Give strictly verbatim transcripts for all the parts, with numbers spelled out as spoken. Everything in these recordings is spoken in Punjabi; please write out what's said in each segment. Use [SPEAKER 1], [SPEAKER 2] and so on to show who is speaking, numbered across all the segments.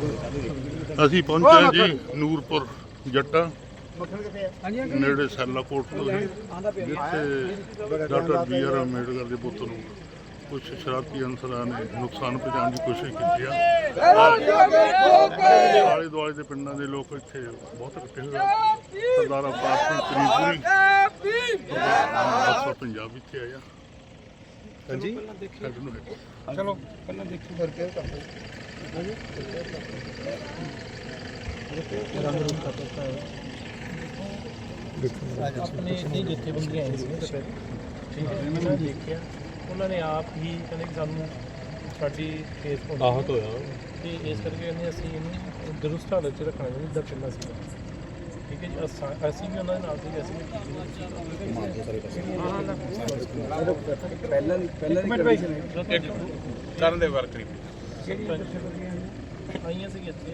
[SPEAKER 1] ਅਸੀਂ ਪਹੁੰਚੇ ਜੀ ਨੂਰਪੁਰ ਜੱਟਾ ਨੇੜੇ ਸੈਲਾਕੋਟ ਤੋਂ ਜਿੱਥੇ ਡਾਕਟਰ ਬੀ ਆਰ ਅੰਬੇਡਕਰ ਦੇ ਪੁੱਤ ਨੂੰ ਕੁਝ ਸ਼ਰਾਰਤੀ ਅਨਸਰਾਂ ਨੇ ਨੁਕਸਾਨ ਪਹੁੰਚਾਉਣ ਦੀ ਕੋਸ਼ਿਸ਼ ਕੀਤੀ ਆ। ਆਲੇ ਦੁਆਲੇ ਦੇ ਪਿੰਡਾਂ ਦੇ ਲੋਕ ਇੱਥੇ ਬਹੁਤ ਇਕੱਠੇ ਹੋਏ। ਸਰਦਾਰ ਅਵਤਾਰ ਸਿੰਘ ਤ੍ਰਿਪੁਰੀ ਪੰਜਾਬ ਇੱਥੇ ਆਇਆ। ਹਾਂਜੀ ਚਲੋ ਪਹਿਲਾਂ ਦੇਖੋ ਕਰਕੇ
[SPEAKER 2] ਆਪਣੇ ਨਹੀਂ ਜਥੇਬੰਦੀਆਂ ਆਏ ਸੀ ਠੀਕ ਹੈ ਇਹਨਾਂ ਨੇ ਦੇਖਿਆ ਉਹਨਾਂ ਨੇ ਆਪ ਹੀ ਕਹਿੰਦੇ ਕਿ ਸਾਨੂੰ ਸਾਡੀ ਕੇਸ ਆਹਤ ਹੋਇਆ ਤੇ ਇਸ ਕਰਕੇ ਕਹਿੰਦੇ ਅਸੀਂ ਇਹਨੂੰ ਦਰੁਸਤ ਹਾਲਤ 'ਚ ਰੱਖਣਾ ਚਾਹੁੰਦੇ ਜਿੱਦਾਂ ਪਹਿਲਾਂ ਸੀ ਠੀਕ ਹੈ ਜੀ। ਅਸੀਂ ਵੀ ਉਹਨਾਂ ਦੇ ਨਾਲ ਸੀ ਅਸੀਂ
[SPEAKER 3] ਪਹਿਲਾਂ ਪਹਿਲਾਂ
[SPEAKER 1] ਕਰਨ ਦੇ ਵਾਰ ਕਰੀਬ
[SPEAKER 2] ਆਈਆਂ ਸੀ ਇੱਥੇ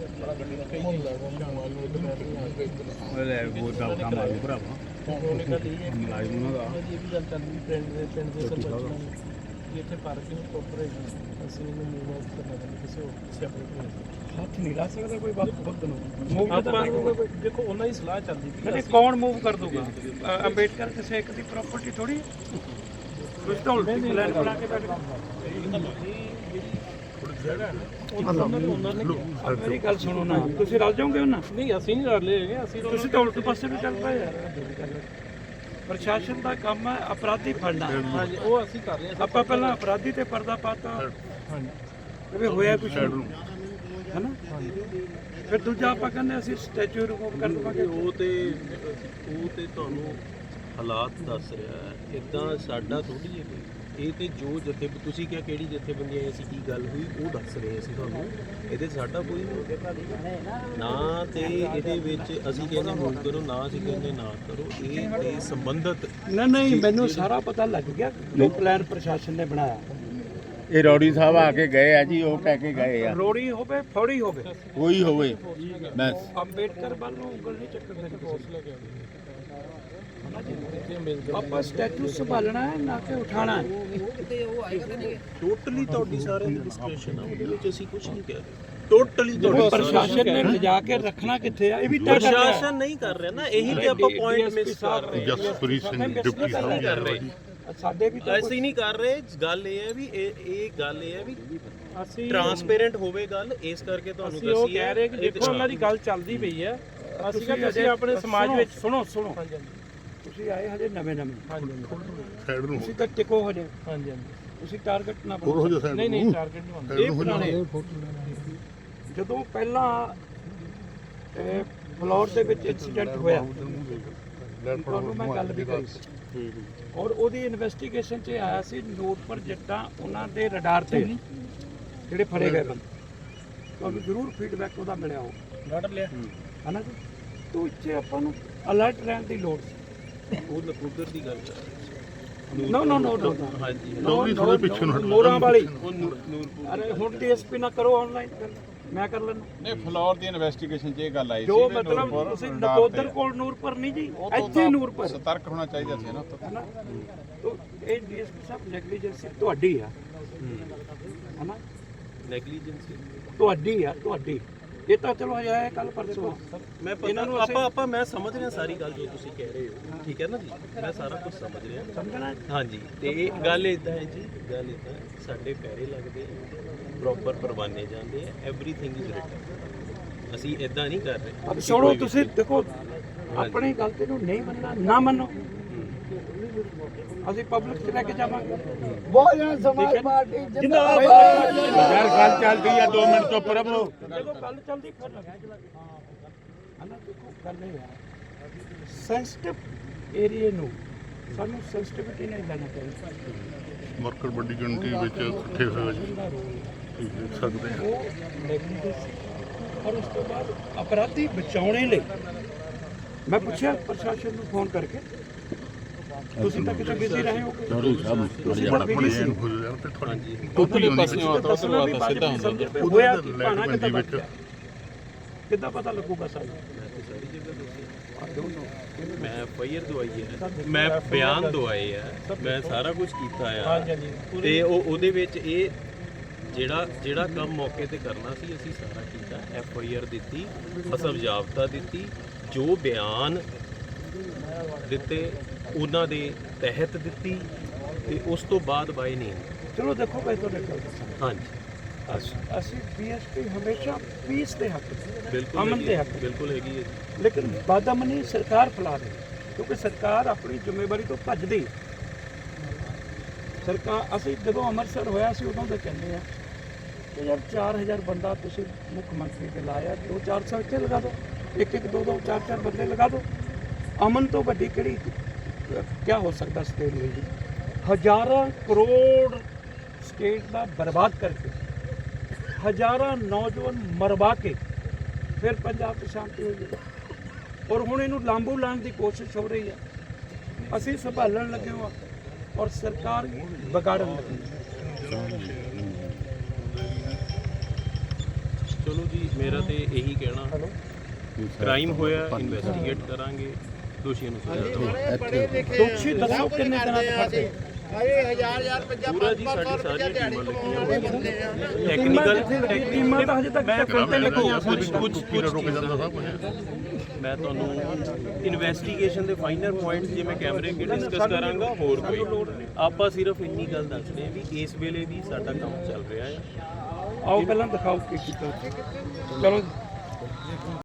[SPEAKER 2] ਉਹਨੇ ਗੱਲ ਇਹ ਹੈ ਮੁਲਾਜ਼ਮ ਉਹਨਾਂ ਦਾ ਇਹ ਵੀ ਗੱਲ ਚੱਲਦੀ ਪਿੰਡ ਦੇ ਪਿੰਡ ਦੇ ਸਰਪੰਚ ਨਾਲ ਕਿ ਇੱਥੇ ਪਾਰਕਿੰਗ ਪ੍ਰੋਪਰ ਹੈ ਅਸੀਂ ਇਹਨੂੰ ਮੂਵ ਆਊਟ ਕਰਨਾ ਚਾਹੁੰਦੇ ਕਿਸੇ ਹੋਰ ਕਿਸੇ ਆਪਣੇ
[SPEAKER 3] ਹੱਥ ਨਹੀਂ ਲਾ ਸਕਦਾ ਕੋਈ ਬਾਤ ਖੁਦ ਨੂੰ
[SPEAKER 2] ਆਪਾਂ ਦੇਖੋ ਉਹਨਾਂ ਦੀ ਸਲਾਹ ਚੱਲਦੀ
[SPEAKER 3] ਪਈ ਕੌਣ ਮੂਵ ਕਰ ਦੂਗਾ ਅੰਬੇਡਕਰ ਕਿਸੇ ਇੱਕ ਦੀ ਪ੍ਰਾਪਰਟੀ ਥੋੜੀ ਕੁਝ ਤਾਂ ਉਲਟੀ ਪਲਾਨ ਬਣਾ ਕੇ ਬੈਠ ਮੇਰੀ ਗੱਲ ਸੁਣੋ ਨਾ ਤੁਸੀਂ ਰਲ ਜਾਓਗੇ ਉਹਨਾਂ
[SPEAKER 2] ਨਹੀਂ ਅਸੀਂ ਨਹੀਂ ਰਲ ਲਏ ਹੈਗੇ ਅਸੀਂ
[SPEAKER 3] ਤੁਸੀਂ ਤਾਂ ਉਲਟ ਪਾਸੇ ਵੀ ਚੱਲ ਪਏ ਯਾਰ। ਪ੍ਰਸ਼ਾਸਨ ਦਾ ਕੰਮ ਹੈ ਅਪਰਾਧੀ ਫੜਨਾ
[SPEAKER 2] ਹਾਂਜੀ ਉਹ ਅਸੀਂ ਕਰ ਰਹੇ ਹਾਂ
[SPEAKER 3] ਆਪਾਂ ਪਹਿਲਾਂ ਅਪਰਾਧੀ ਤੇ ਪਰਦਾ ਪਾਤਾ
[SPEAKER 2] ਹਾਂਜੀ
[SPEAKER 3] ਵੀ ਹੋਇਆ ਕੁਛ ਹੈ ਨਾ ਫਿਰ ਦੂਜਾ ਆਪਾਂ ਕਹਿੰਦੇ ਅਸੀਂ ਸਟੈਚੂ ਰਿਮੂਵ ਕਰ ਦਵਾਂਗੇ।
[SPEAKER 4] ਉਹ ਤੇ ਉਹ ਤੇ ਤੁਹਾਨੂੰ ਹਾਲਾਤ ਦੱਸ ਰਿਹਾ ਹੈ ਇਦਾਂ ਸਾਡਾ ਥੋੜੀ ਹੈ ਇਹ ਤੇ ਜੋ ਜਥੇ ਤੁਸੀਂ ਕਿਹਾ ਕਿਹੜੀ ਜਥੇਬੰਦੀਆਂ ਆਈ ਸੀ ਕੀ ਗੱਲ ਹੋਈ ਉਹ ਦੱਸ ਰਹੇ ਅਸੀਂ ਤੁਹਾਨੂੰ ਇਹਦੇ ਸਾਡਾ ਕੋਈ ਨਾ ਤੇ ਇਹਦੇ ਵਿੱਚ ਅਸੀਂ ਕਹਿੰਦੇ ਮੂਵ ਕਰੋ ਨਾ ਅਸੀਂ ਕਹਿੰਦੇ ਨਾ ਕਰੋ ਇਹ ਤੇ ਸੰਬੰਧਿਤ
[SPEAKER 3] ਨਹੀਂ ਨਹੀਂ ਮੈਨੂੰ ਸਾਰਾ ਪਤਾ ਲੱਗ ਗਿਆ ਜੋ ਪਲਾਨ ਪ੍ਰਸ਼ਾਸਨ ਨੇ ਬਣਾਇਆ।
[SPEAKER 5] ਇਹ ਰੌੜੀ ਸਾਹਿਬ ਆ ਕੇ ਗਏ ਆ ਜੀ ਉਹ ਕਹਿ ਕੇ ਗਏ ਆ
[SPEAKER 3] ਰੋੜੀ ਹੋਵੇ ਫੌੜੀ ਹੋਵੇ
[SPEAKER 5] ਕੋਈ ਹੋਵੇ ਬਸ
[SPEAKER 3] ਅੰਬੇਡਕਰ ਵੱਲ ਨੂੰ ਉਂਗਲ ਨਹੀਂ ਚੱਕਦੇ ਆਪਾਂ ਸਟੈਚੂ ਸੰਭਾਲਣਾ ਹੈ ਨਾ ਕਿ ਉਠਾਣਾ ਹੈ।
[SPEAKER 4] ਟੋਟਲੀ ਤੁਹਾਡੀ ਸਾਰਿਆਂ ਦੀ ਡਿਸਕ੍ਰਿਪਸ਼ਨ ਆ ਉਹਦੇ ਵਿੱਚ ਅਸੀਂ ਕੁਝ ਨਹੀਂ ਕਹਿ ਰਹੇ ਟੋਟਲੀ ਤੁਹਾਡੀ
[SPEAKER 3] ਪ੍ਰਸ਼ਾਸਨ ਨੇ ਲਿਜਾ ਕੇ ਰੱਖਣਾ ਕਿੱਥੇ ਆ ਇਹ ਵੀ ਤੈਅ ਕਰ ਰਿਹਾ
[SPEAKER 4] ਪ੍ਰਸ਼ਾਸਨ ਨਹੀਂ ਕਰ ਰਿਹਾ ਨਾ ਇਹੀ ਤੇ ਆਪਾਂ ਪੁਆਇੰਟ ਮਿਸ ਕਰ ਰਹੇ
[SPEAKER 1] ਜਸਪ੍ਰੀਤ ਸਿੰਘ ਡਿਪਟੀ ਸਾਹਿਬ
[SPEAKER 4] ਕਰ ਰਹੇ
[SPEAKER 3] ਸਾਡੇ ਵੀ ਤਾਂ
[SPEAKER 4] ਅਸੀਂ ਨਹੀਂ ਕਰ ਰਹੇ ਗੱਲ ਇਹ ਹੈ ਵੀ ਇਹ ਇਹ ਗੱਲ ਇਹ ਹੈ ਵੀ
[SPEAKER 2] ਅਸੀਂ
[SPEAKER 4] ਟਰਾਂਸਪੇਰੈਂਟ ਹੋਵੇ ਗੱਲ ਇਸ ਕਰਕੇ ਤੁਹਾਨੂੰ
[SPEAKER 2] ਅਸੀਂ ਉਹ
[SPEAKER 4] ਦੱਸੀ
[SPEAKER 2] ਕਹਿ ਰਹੇ ਕਿ ਦੇਖੋ ਉਹਨਾਂ ਦੀ ਗੱਲ ਚੱਲਦੀ ਪਈ ਹੈ ਅਸੀਂ ਕਹਿੰਦੇ ਅਸੀਂ ਆਪਣੇ ਸਮਾਜ ਵਿੱਚ
[SPEAKER 3] ਸੁਣੋ ਸੁਣੋ
[SPEAKER 2] ਹਾਂਜੀ
[SPEAKER 3] ਤੁਸੀਂ ਆਏ ਹਜੇ ਨਵੇਂ ਨਵੇਂ
[SPEAKER 2] ਹਾਂਜੀ
[SPEAKER 1] ਸਾਈਡ ਨੂੰ
[SPEAKER 3] ਤੁਸੀਂ ਤਾਂ ਟਿਕੋ ਹਜੇ
[SPEAKER 2] ਹਾਂਜੀ ਹਾਂਜੀ
[SPEAKER 3] ਤੁਸੀਂ ਟਾਰਗੇਟ ਨਾ
[SPEAKER 1] ਹੋਰ ਹੋ
[SPEAKER 3] ਬਣਾਓ।
[SPEAKER 1] ਜਾ ਸਾਈਡ
[SPEAKER 2] ਨਹੀਂ ਨਹੀਂ
[SPEAKER 1] ਨੂੰ
[SPEAKER 2] ਟਾਰਗੇਟ ਨਹੀਂ ਹੁੰਦਾ
[SPEAKER 3] ਇਹ ਪੁਰਾਣੇ ਜਦੋਂ ਪਹਿਲਾਂ ਫਲੋਰ ਦੇ ਵਿੱਚ ਇਨਸੀਡੈਂਟ ਹੋਇਆ ਤੁਹਾਨੂੰ ਮੈਂ ਗੱਲ ਵੀ ਕਰੀ ਸੀ ਔਰ ਉਹਦੀ ਇਨਵੈਸਟੀਗੇਸ਼ਨ 'ਚ ਆਇਆ ਸੀ ਨੂਰਪੁਰ ਜੱਟਾਂ ਉਹਨਾਂ ਦੇ ਰਡਾਰ ਤੇ ਜਿਹੜੇ ਫੜੇ ਗਏ ਬੰਦੇ ਤੁਹਾਨੂੰ ਜ਼ਰੂਰ ਫੀਡਬੈਕ ਉਹਦਾ ਮਿਲਿਆ ਹੋ
[SPEAKER 2] ਘਟ ਲਿਆ
[SPEAKER 3] ਹੈ ਨਾ ਜੀ ਤੋਂ ਇੱਥੇ ਆਪਾਂ ਨੂੰ ਅਲਰਟ ਰਹਿਣ ਦੀ ਲੋੜ ਸੀ।
[SPEAKER 4] ਉਹ ਨਕੂਦਰ ਦੀ ਗੱਲ ਕਰ
[SPEAKER 3] ਨੋ ਨੋ ਨੋ ਨੋ
[SPEAKER 4] ਹਾਂਜੀ
[SPEAKER 1] ਚੌਧਰੀ ਥੋੜੇ ਪਿੱਛੇ ਨੂੰ ਹਟ
[SPEAKER 3] ਮੋਰਾਂ ਵਾਲੀ
[SPEAKER 4] ਉਹ ਨੂਰਪੁਰ
[SPEAKER 3] ਅਰੇ ਹੁਣ ਡੀਐਸਪੀ ਨਾ ਕਰੋ ਆਨਲਾਈਨ ਮੈਂ ਕਰ ਲੈਣਾ
[SPEAKER 6] ਨਹੀਂ ਫਲੋਰ ਦੀ ਇਨਵੈਸਟੀਗੇਸ਼ਨ 'ਚ ਇਹ ਗੱਲ ਆਈ ਸੀ
[SPEAKER 3] ਜੋ ਮਤਲਬ ਤੁਸੀਂ ਨਕੋਦਰ ਕੋਲ ਨੂਰਪੁਰ ਨਹੀਂ ਜੀ ਇੱਥੇ ਨੂਰਪੁਰ
[SPEAKER 6] ਸਤਰਕ ਹੋਣਾ ਚਾਹੀਦਾ ਸੀ ਨਾ
[SPEAKER 3] ਹੈਨਾ ਤੋ ਇਹ ਡੀਐਸਪੀ ਸਾਹਿਬ ਨੈਗਲੀਜੈਂਸੀ ਤੁਹਾਡੀ ਆ ਹੈਨਾ
[SPEAKER 4] ਨੈਗਲੀਜੈਂਸੀ
[SPEAKER 3] ਤੁਹਾਡੀ ਆ ਤੁਹਾਡੀ ਇਹ ਤਾਂ ਚਲੋ ਹਜੇ ਆਇਆ ਕੱਲ ਪਰਸੋਂ
[SPEAKER 4] ਮੈਂ ਇਹਨਾਂ ਨੂੰ ਆਪਾਂ ਆਪਾਂ ਮੈਂ ਸਮਝ ਰਿਹਾ ਸਾਰੀ ਗੱਲ ਜੋ ਤੁਸੀਂ ਕਹਿ ਰਹੇ ਹੋ ਠੀਕ ਹੈ ਨਾ ਜੀ ਮੈਂ ਸਾਰਾ ਕੁਝ ਸਮਝ ਰਿਹਾ
[SPEAKER 3] ਸਮਝਣਾ
[SPEAKER 4] ਹਾਂਜੀ ਤੇ ਇਹ ਗੱਲ ਇਦਾਂ ਹੈ ਜੀ ਗੱਲ ਇਦਾਂ ਸਾਡੇ ਪੈਰੇ ਲੱਗਦੇ ਪ੍ਰੋਪਰ ਪਰਵਾਨੇ ਜਾਂਦੇ ਆ ਐਵਰੀਥਿੰਗ ਇਜ਼ ਰਿਟਨ ਅਸੀਂ ਇਦਾਂ ਨਹੀਂ ਕਰ ਰਹੇ
[SPEAKER 3] ਅਬ ਸੁਣੋ ਤੁਸੀਂ ਦੇਖੋ ਆਪਣੀ ਗਲਤੀ ਨੂੰ ਨਹੀਂ ਮੰਨਣਾ ਨਾ ਮੰਨੋ ਅਸੀਂ ਪਬਲਿਕ 'ਚ ਲੈ ਕੇ ਜਾਵਾਂਗੇ
[SPEAKER 5] ਬਹੁਜਨ ਸਮਾਜ ਪਾਰਟੀ ਜਿੰਦਾਬਾਦ ਯਾਰ ਗੱਲ ਚੱਲਦੀ ਆ ਦੋ ਮਿੰਟ ਚੁੱਪ ਰਹੋ
[SPEAKER 3] ਜਦੋਂ ਗੱਲ ਚੱਲਦੀ ਫਿਰ ਹਨਾ ਦੇਖੋ ਗੱਲ ਇਹ ਹੈ ਸੈਂਸਿਟਿਵ ਏਰੀਆ ਨੂੰ ਸਾਨੂੰ ਸੈਂਸਿਟਿਵਿਟੀ ਨਹੀਂ ਲੈਣਾ ਚਾਹੀਦਾ
[SPEAKER 1] ਵਰਕਰ ਵੱਡੀ ਗਿਣਤੀ ਵਿੱਚ ਇਕੱਠੇ ਹੋਏ ਜੀ ਤੁਸੀਂ ਦੇਖ ਸਕਦੇ ਆ
[SPEAKER 3] ਉਹ ਨੈਗਲੀਜੈਂਸ ਔਰ ਉਸ ਤੋਂ ਬਾਅਦ ਅਪਰਾਧੀ ਬਚਾਉਣੇ ਲਈ ਮੈਂ ਪੁੱਛਿਆ ਪ੍ਰਸ਼ਾਸਨ ਨੂੰ ਫੋਨ ਕਰਕੇ ਤੁਸੀਂ ਤਾਂ ਕਿਤੇ ਬਿਜ਼ੀ ਰਹੇ ਹੋ
[SPEAKER 1] ਚੌਧਰੀ ਸਾਹਿਬ
[SPEAKER 3] ਤੁਸੀਂ ਤਾਂ ਬਿਜ਼ੀ ਸੀ
[SPEAKER 1] ਤੁਹਾਡੀ ਟੋਟਲੀ ਪਾਸੇ
[SPEAKER 3] ਹੋਇਆ ਕਿ ਭਾਣਾ ਕਿੱਦਾਂ ਵਿੱਚ ਕਿੱਦਾਂ ਪਤਾ ਲੱਗੂਗਾ ਸਾਨੂੰ
[SPEAKER 4] ਮੈਂ ਫਾਇਰ ਦਵਾਈ ਹੈ ਮੈਂ ਬਿਆਨ ਦਵਾਏ ਆ ਮੈਂ ਸਾਰਾ ਕੁਝ ਕੀਤਾ ਆ ਤੇ ਉਹ ਉਹਦੇ ਵਿੱਚ ਇਹ ਜਿਹੜਾ ਜਿਹੜਾ ਕੰਮ ਮੌਕੇ ਤੇ ਕਰਨਾ ਸੀ ਅਸੀਂ ਸਾਰਾ ਕੀਤਾ। ਐਫ ਆਈ ਆਰ ਦਿੱਤੀ, ਅਸਲ ਜਾਬਤਾ ਦਿੱਤੀ, ਜੋ ਬਿਆਨ ਦਿੱਤੇ ਉਹਨਾਂ ਦੇ ਤਹਿਤ ਦਿੱਤੀ, ਤੇ ਉਸ ਤੋਂ ਬਾਅਦ ਬਾਈ ਨਹੀਂ।
[SPEAKER 3] ਚਲੋ ਦੇਖੋ ਭਾਈ ਤੁਹਾਡੇ ਕੋਲ ਦੱਸਾਂ,
[SPEAKER 4] ਹਾਂਜੀ
[SPEAKER 3] ਅਸ- ਅਸੀਂ ਬੀਐਸਪੀ ਹਮੇਸ਼ਾ ਪੀਸ ਦੇ ਹੱਕ ਚ,
[SPEAKER 4] ਬਿਲਕੁਲ
[SPEAKER 3] ਅਮਨ
[SPEAKER 4] ਹੈਗੀ
[SPEAKER 3] ਦੇ
[SPEAKER 4] ਹੈ,
[SPEAKER 3] ਹੱਕ ਚ।
[SPEAKER 4] ਬਿਲਕੁਲ ਹੈਗੀ ਹੈ।
[SPEAKER 3] ਲੇਕਿਨ ਬਦਅਮਨੀ ਸਰਕਾਰ ਫੈਲਾ ਰਹੀ ਹੈ, ਕਿਉਂਕਿ ਸਰਕਾਰ ਆਪਣੀ ਜ਼ਿੰਮੇਵਾਰੀ ਤੋਂ ਭੱਜਦੀ। ਸਰਕਾਰ ਅਸੀਂ ਜਦੋਂ ਅੰਮ੍ਰਿਤਸਰ ਹੋਇਆ ਸੀ ਉਦੋਂ ਤਾਂ ਕਹਿੰਦੇ ਆ ਕਿ ਯਾਰ ਚਾਰ ਹਜ਼ਾਰ ਬੰਦਾ ਤੁਸੀਂ ਮੁੱਖ ਮੰਤਰੀ ਤੇ ਲਾਇਆ, ਦੋ ਚਾਰ ਸੌ ਇੱਥੇ ਲਗਾ ਦਿਓ, ਇੱਕ ਇੱਕ ਦੋ ਦੋ ਚਾਰ ਚਾਰ ਬੰਦੇ ਲਗਾ ਦਿਓ। ਅਮਨ ਤੋਂ ਵੱਡੀ ਕਿਹੜੀ ਕੀ ਹੋ ਸਕਦਾ ਸਟੇਟ ਲਈ? ਹਜ਼ਾਰਾਂ ਕਰੋੜ ਸਟੇਟ ਦਾ ਬਰਬਾਦ ਕਰਕੇ, ਹਜ਼ਾਰਾਂ ਨੌਜਵਾਨ ਮਰਵਾ ਕੇ ਫਿਰ ਪੰਜਾਬ 'ਚ ਸ਼ਾਂਤੀ ਹੋਈ ਹੈ। ਔਰ ਹੁਣ ਇਹਨੂੰ ਲਾਂਬੂ ਲਾਉਣ ਦੀ ਕੋਸ਼ਿਸ਼ ਹੋ ਰਹੀ ਹੈ। ਅਸੀਂ ਸੰਭਾਲਣ ਲੱਗੇ ਹਾਂ ਔਰ ਸਰਕਾਰ ਵਿਗਾੜਨ ਲੱਗੀ ਹੈ।
[SPEAKER 4] ਚਲੋ ਜੀ, ਮੇਰਾ ਤੇ ਇਹੀ ਕਹਿਣਾ, ਕ੍ਰਾਈਮ ਹੋਇਆ ਇਨਵੈਸਟੀਗੇਟ ਕਰਾਂਗੇ, ਦੋਸ਼ੀਆਂ ਨੂੰ ਸਜ਼ਾ ਦਵਾਂਗੇ।
[SPEAKER 3] ਦੋਸ਼ੀ ਦੱਸੋ ਕਿੰਨੇ ਦਿਨਾਂ ਤੱਕ ਫੜਦੇ?
[SPEAKER 4] ਪੂਰਾ ਜੀ ਸਾਡੀ ਸਾਰੀਆਂ ਟੀਮਾਂ ਲੱਗੀਆਂ ਹੋਈਆਂ, ਟੈਕਨੀਕਲ
[SPEAKER 3] ਟੀਮਾਂ ਤਾਂ ਹਜੇ ਤੱਕ ਟੱਕਰ ਤੇ ਲੱਗੀਆਂ
[SPEAKER 4] ਕੁਝ
[SPEAKER 3] ਸਾਰੀਆਂ।
[SPEAKER 4] ਕੁਝ ਕੁਝ
[SPEAKER 1] ਰੁਕ ਜਾਂਦਾ ਸਭ ਕੁਝ।
[SPEAKER 4] ਮੈਂ ਤੁਹਾਨੂੰ ਇਨਵੈਸਟੀਗੇਸ਼ਨ ਦੇ ਫਾਈਨਲ ਪੁਆਇੰਟਸ ਜਿਵੇਂ ਕੈਮਰੇ ਕੇ ਡਿਸਕਸ ਕਰਾਂਗਾ, ਹੋਰ ਕੋਈ ਆਪਾਂ ਸਿਰਫ ਇੰਨੀ ਗੱਲ ਦੱਸਦੇ ਹਾਂ ਵੀ ਇਸ ਵੇਲੇ ਵੀ ਸਾਡਾ ਕੰਮ ਚੱਲ ਰਿਹਾ ਹੈ।
[SPEAKER 3] ਆਓ ਪਹਿਲਾਂ ਦਿਖਾਓ ਕੀ ਕੀਤਾ। ਚਲੋ